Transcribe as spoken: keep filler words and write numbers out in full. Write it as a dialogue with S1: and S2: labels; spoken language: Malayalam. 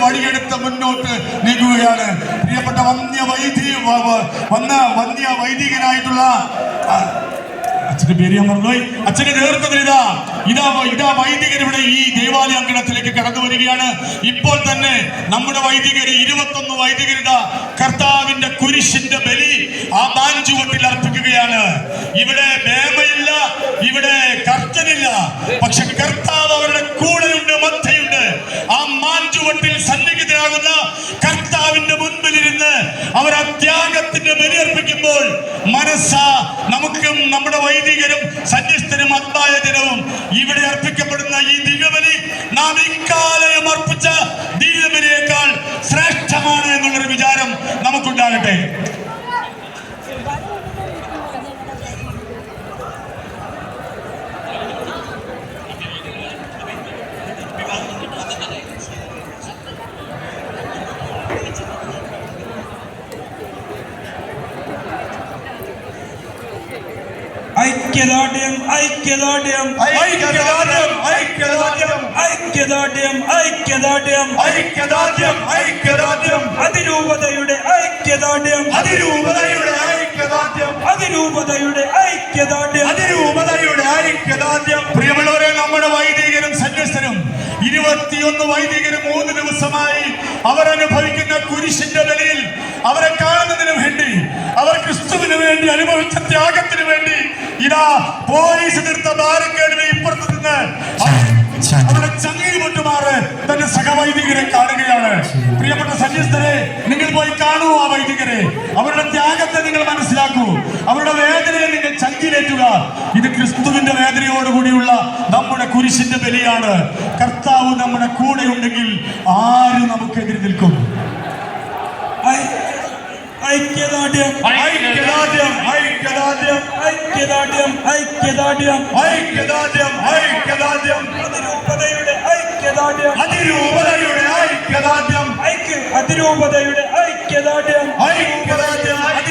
S1: വഴിയെടുത്ത് മുന്നോട്ട് നീങ്ങുകയാണ്. പ്രിയപ്പെട്ട വന്യ വൈദി വന്ന വന്യ വൈദികനായിട്ടുള്ള അച്ഛന്റെ പേര് ഞാൻ മറന്നുപോയി. അച്ഛന്റെ നേതൃത്വത്തിൽ ഇതാ ഇതാ ഇതാ വൈദികർ ഇവിടെ ഈ ദേവാലയ അങ്കണത്തിലേക്ക് കടന്നു വരികയാണ്. ഇപ്പോൾ തന്നെ നമ്മുടെ വൈദികർ ഇരുപത്തൊന്ന് വൈദികരുടെ കർത്താവിന്റെ കുരിശിന്റെ ബലി ആ മാഞ്ചുവട്ടിൽ അർപ്പിക്കുകയാണ്. ഇവിടെ മേമയില്ല, ഇവിടെ കർത്തനില്ല, പക്ഷെ കർത്താവ് അവരുടെ കൂടെയുണ്ട്, മധ്യയുണ്ട്. ആ മാഞ്ചുവട്ടിൽ സന്നിഹിതരാകുന്ന കർത്താവിന്റെ മുൻപിലിരുന്ന് അവർ ആ ത്യാഗത്തിന്റെ ബലി അർപ്പിക്കുമ്പോൾ മനസ്സാ നമുക്കും നമ്മുടെ വൈദികരും സന്യസ്തരും അത്തായ ദിനവും ഇവിടെ അർപ്പിക്കപ്പെടുന്ന ഈ ദിവ്യബലി നാം ഇക്കാലം അർപ്പിച്ച ദിവ്യബലിയേക്കാൾ ശ്രേഷ്ഠമാണ് എന്നുള്ളൊരു വിചാരം നമുക്കുണ്ടാകട്ടെ.
S2: ഐക്യദാർഢ്യം ഐക്യദാർഢ്യം
S1: ഐക്യദാർഢ്യം ഐക്യദാർഢ്യം
S2: ഐക്യദാർഢ്യം ഐക്യദാർഢ്യം
S1: ഐക്യദാർഢ്യം ഐക്യദാർഢ്യം
S2: അതിരൂപതയുടെ ഐക്യദാർഢ്യം
S1: അതിരൂപതയുടെ ഐക്യദാർഢ്യം
S2: അതിരൂപതയുടെ ഐക്യദാർഢ്യം
S1: അതിരൂപതയുടെ ഐക്യദാർഢ്യം. പ്രിയമുള്ളവരെ, നമ്മുടെ വൈദികരും സന്യസ്തരും ഇരുപത്തിയൊന്ന് വൈദികരും മൂന്ന് ദിവസമായി അവരനുഭവിക്കുന്ന കുരിശിന്റെ ബലിയിൽ അവരെ കാണുന്നതിന് വേണ്ടി, അവർ ക്രിസ്തുവിന് വേണ്ടി അനുഭവിച്ച ത്യാഗത്തിന് വേണ്ടി ഇതാ പോലീസ് തീർത്ത ബാരക്കേടിന് ഇപ്പുറത്ത് നിന്ന് അവരുടെ ചങ്ങി മുട്ടുമാറ് തന്റെ സഹവൈദികരെ കാണുകയാണ്. പ്രിയപ്പെട്ട സന്യസ്തരെ, നിങ്ങൾ പോയി കാണൂ ആ വൈദികരെ. അവരുടെ ത്യാഗത്തെ നിങ്ങൾ മനസ്സിലാക്കൂ, അവരുടെ വേദനയെ നിങ്ങൾ ചങ്കിലേറ്റുക. ഇത് ക്രിസ്തുവിന്റെ വേദനയോടുകൂടിയുള്ള നമ്മുടെ കുരിശിന്റെ ബലിയാണ്. കർത്താവ് നമ്മുടെ കൂടെ ഉണ്ടെങ്കിൽ ആരും നമുക്കെതിരെ നിൽക്കും.
S2: ഐക്യദാർഢ്യം
S1: ഐക്യദാർഢ്യം ഐക്യദാർഢ്യം
S2: ഐക്യദാർഢ്യം ഐക്യദാർഢ്യം
S1: ഐക്യദാർഢ്യം ഐക്യദാർഢ്യം
S2: അതിരൂപതയുടെ ഐക്യദാർഢ്യം
S1: അതിരൂപതയുടെ ഐക്യദാർഢ്യം
S2: ഐക്യ അതിരൂപതയുടെ